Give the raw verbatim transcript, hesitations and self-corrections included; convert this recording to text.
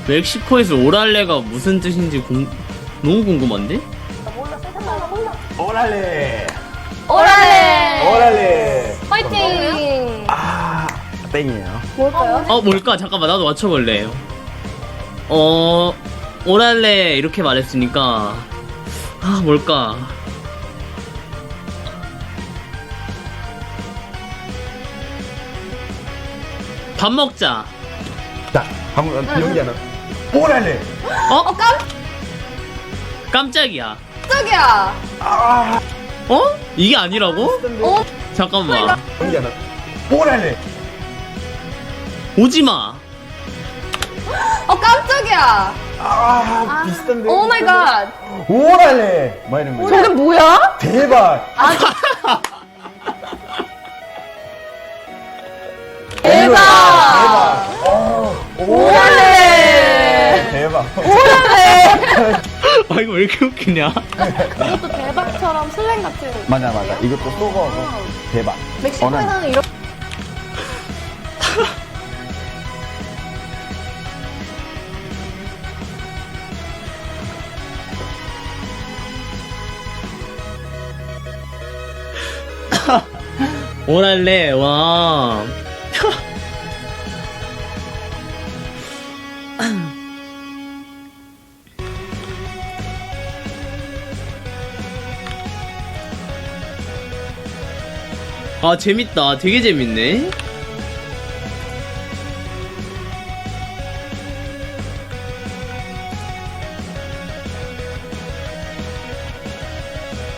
멕시코에서 오랄레가 무슨 뜻인지 공... 너무 궁금한데? 오랄레. 오랄레! 오랄레. 파이팅! 아, 땡이에요. 뭘까요? 어 뭘까? 잠깐만 나도 맞춰볼래. 어... 오랄레 이렇게 말했으니까 아 뭘까? 밥 먹자. 자, 한번 비용기 하나. 오랄레. 어? 깜, 깜짝이야. 깜짝이야! 아, 어? 이게 아니라고? 어? 잠깐만. 비용기 하나. 오랄레. 오지마. 어, 깜짝이야! 아, 비슷한데. 오 마이 갓! 오랄레. 뭐 이런 거. 저게 뭐야? 대박. 대박! 대박. 어, 오랄레! 대박. 오랄레! 아 이거 왜 이렇게 웃기냐? 이것도 대박처럼 슬랭 같은. 맞아, 맞아. 이것도 쏘거서 대박. 멕시코에서는 이렇게. 오랄레 와. 아 재밌다. 되게 재밌네.